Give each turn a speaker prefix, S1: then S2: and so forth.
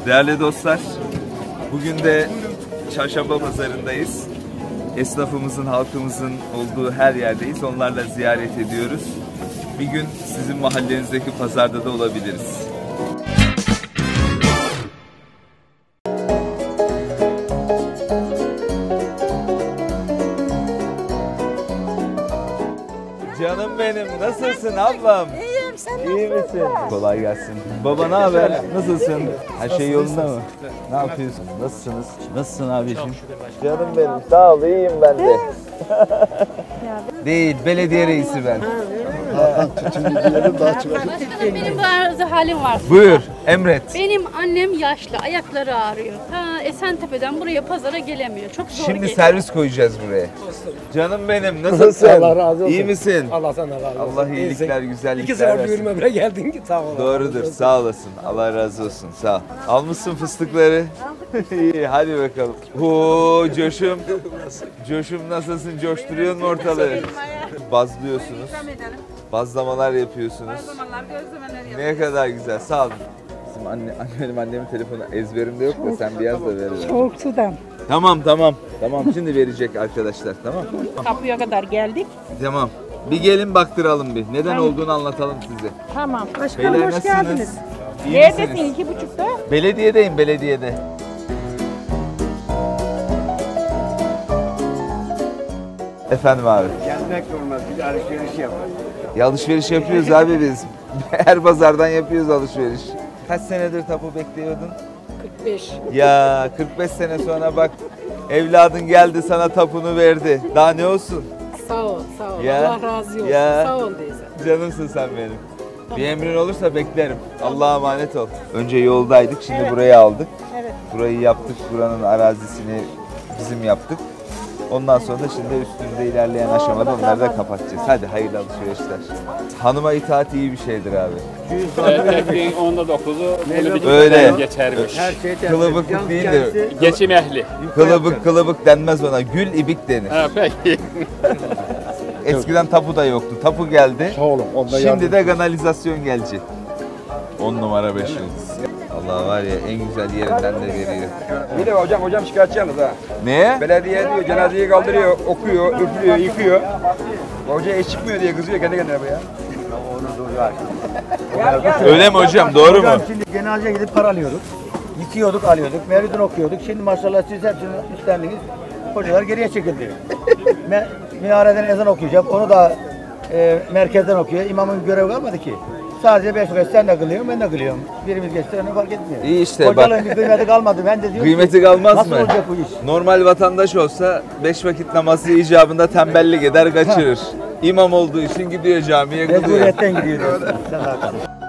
S1: Değerli dostlar, bugün de Çarşamba Pazarı'ndayız. Esnafımızın, halkımızın olduğu her yerdeyiz. Onlarla ziyaret ediyoruz. Bir gün sizin mahallenizdeki pazarda da olabiliriz. Canım benim, nasılsın ablam?
S2: İyiyim, sen
S1: İyi misin? Kolay gelsin. Baba ne haber? Nasılsın? Her şey yolunda mı? Ne yapıyorsun? Nasılsınız? Nasılsın abiciğim? Canım benim, sağ ol, iyiyim ben de. Değil, belediye reisi ben.
S3: Benim bazı halim var.
S1: Buyur, emret.
S3: Benim annem yaşlı, ayakları ağrıyor. Ta Esentepe'den buraya pazara gelemiyor. Çok zor
S1: Şimdi
S3: geliyor.
S1: servis koyacağız buraya. Canım benim, nasılsın?
S4: Allah razı olsun.
S1: İyi misin?
S4: Allah sana razı olsun.
S1: Allah iyilikler, güzellikler
S4: İki sefer
S1: versin.
S4: düğünüme bile geldin ki sağ ol.
S1: Doğrudur, sağ olasın. Allah razı olsun, sağ ol. Almışsın fıstıkları. İyi, hadi bakalım. Oo, coşum. Coşum nasılsın? Coşturuyor mu ortalığı? Bazlıyorsunuz. Bazlamalar yapıyorsunuz. Ne kadar güzel, sağ olun. Bizim annemin telefonu ezberimde yok da sen bir yaz da ver.
S2: Soğuk sudan.
S1: Tamam, şimdi verecek arkadaşlar, tamam.
S2: Kapıya kadar geldik.
S1: Tamam. Bir gelin baktıralım bir. Neden olduğunu anlatalım size.
S2: Tamam. Başkanım
S1: Beyler
S2: hoş
S1: nasılsınız?
S2: geldiniz.
S1: İyi
S2: Neredesin?
S1: misiniz?
S2: 2.30'da?
S1: Belediyedeyim, belediyede. Efendim abi.
S4: Gelmek olmaz. Bir alışveriş yap.
S1: Ya alışveriş yapıyoruz abi biz. Her pazardan yapıyoruz alışveriş. Kaç senedir tapu bekliyordun?
S2: 45.
S1: Ya 45 sene sonra bak evladın geldi sana tapunu verdi. Daha ne olsun?
S2: Sağ ol, sağ ol.
S1: Ya,
S2: Allah razı olsun.
S1: ya.
S2: Sağ ol teyze.
S1: Canımsın sen benim. Bir emrin olursa beklerim. Allah'a emanet ol. Önce yoldaydık, şimdi burayı aldık.
S2: Evet.
S1: Burayı yaptık, buranın arazisini bizim yaptık. Ondan sonra da şimdi üstünde ilerleyen aşamada onları da kapatacağız. Hadi hayırlı alışverişler. Hanıma itaat iyi bir şeydir abi.
S5: Erkekliğin 9'u
S1: Öyle.
S5: geçermiş.
S4: Her şey
S1: Kılıbıklık değildir.
S5: Geçim ehli.
S1: Kılıbık denmez ona. Gül ibik denir.
S5: Ha, peki.
S1: Eskiden tapu da yoktu. Tapu geldi.
S4: Sağ olun.
S1: Şimdi de kanalizasyon gelecek. 10 numara 5 yıldız. Allah var ya en güzel yerinden de veriyor.
S6: Bir de hocam şikayetçi yalnız ha.
S1: Neye?
S6: Belediye diyor cenazeyi kaldırıyor, okuyor, üflüyor, yıkıyor. Hoca eş çıkmıyor diye kızıyor kendi kendine bu ya.
S1: Öyle mi hocam? Doğru mu?
S4: Şimdi cenazeye gidip para alıyorduk. Yıkıyorduk, alıyorduk. Mevlidini okuyorduk. Şimdi maşallah siz hepsini üstlendiniz. Hocalar geriye çekildi. Minareden ezan okuyacak. Onu da merkezden okuyor. İmamın görevi kalmadı ki. Sadece 5 vakit sen de kılıyorsun, ben de kılıyorum. Birimiz geçti, onu fark etmiyor.
S1: İyi işte
S4: Hocalığın
S1: bak.
S4: bir kıymeti kalmadı. Ben de diyorum
S1: Kıymeti
S4: ki,
S1: kalmaz
S4: nasıl
S1: mı?
S4: olacak bu iş?
S1: Normal vatandaş olsa 5 vakit namazı icabında tembellik eder kaçırır. İmam olduğu için gidiyor camiye kılıyor.
S4: Mecburiyetten gidiyor diyorsun. Sen de haklısın.